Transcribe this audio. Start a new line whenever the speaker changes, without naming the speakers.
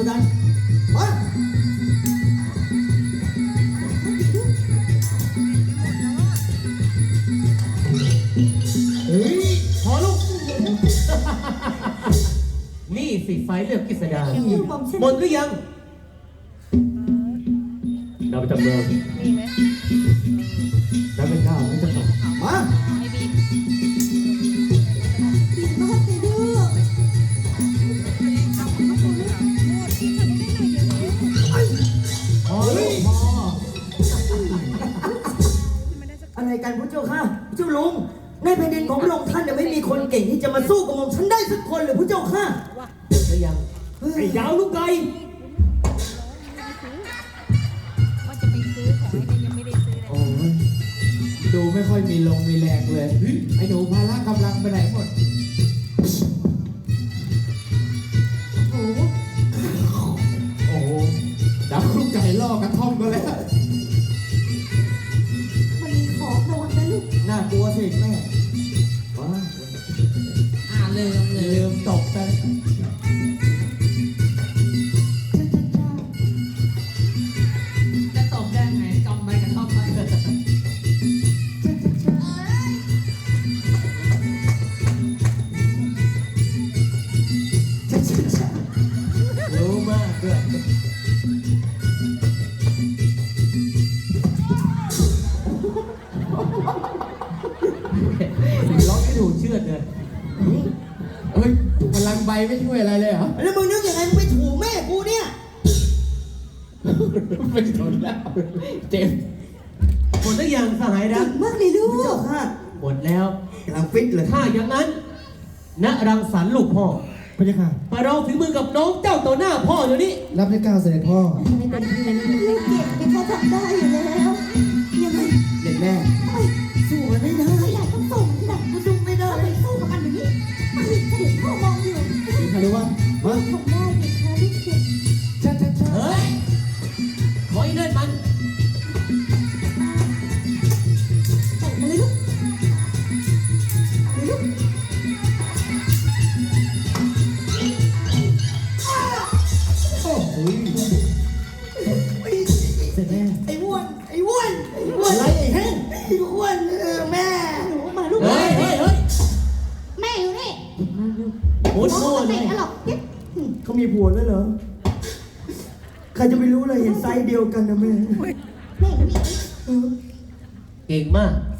กันมาเฮ้ยพอลูก
นี่สิไฟเลือกกฤษดา
ผมฉัน
หมดหรือยังเราไปจำเริญ
มีไหม
แล้วเป็นข้าวไม่จะตกมา
ไม่มี
ดีมากเลยลูก
พอลูกพอ
อะไรกันพระเจ้าค่ะพระเจ้าลุงในแผ่นดินของพระองค์ท่านเนี่ยไม่มีคนเก่งที่จะมาสู้กับผมฉันได้สักคนเลยพระเจ้าค่ะ
หมดหรือยังไอ้ยาวลูกไก่
ว่าจะไปซื้อของไอ้เนี่ยยังไม่ได้ซื้อเลย
โอ้ยดูไม่ค่อยมีลงมีแรงเลยไอ้หนูพาละกำลังไปไหนหมด
โอ้โห
โอ้โหดับลูกไก่ล่อกระท่อมก็แล้ว
มันมีของโดนนะลูก
น่ากลัวสิแม่ว้า
ลืมตกไป
จะตบได้ไงกำไปกระท่อมไป
รู้มากด้วยร้องไม่ถูกเชื่อเลย
เฮ้ยพลังใบไม่ช่วยอะไรเลยเหรอ
แล้วมึงนึกยังไงมึงไปถูแม่กูเนี่ย
ไม่ทนแล้วเจ็บ
หมดหรือยังสหายรัก
มากเลยลู
พระเจ้าก ค่ะ
หมดแล้ว
กำลังฟิตเลย
ถ้าอย่างนั้นณรังสรรค์ลูกพ่อ
พระเจ้าค่ะ
มาลองถึงมือกับน้องเจ้าต่อหน้าพ่อเดี๋ยวนี้
รับได้ก้าวเสด็จพ่อ
ไม่เป็นไรลูกเก่งเป็นเขาทำได้อยู่แล้วยังไง
เด็กแม่สู้มันไม่ได้
ไม่อยากต้องส่งที่ไหนก็สู้ไม่ได้ไปสู้กับมันอย่างนี้ไปเสด็จพ่อมองอยู่
มีใครรู้ว่าฮะ
ทำได้ไหมคะลูกเก่ง
เฮ้ยขออีนั่นมัน
ส่งมาเลยลูกเลยลูก
โอ้โหเสร็จแม่ไอ้อ้วนไอ้อ้วนไอ้อ้วนอะไรไอ้แห้งไอ้อ้วนแม่
หนูมาลูก
เฮ้ยเฮ้ยเฮ้ย
แม่อยู่นี่
หมุน
น้
โม่
อง
เล
เตะ
ย
หรอกเก็บ
เขามีผัวแล้วเหรอใครจะไปรู้เลยเห็นไซส์เดียวกันนะแม่
แม่อยู่นี่
เออ
เก่งมาก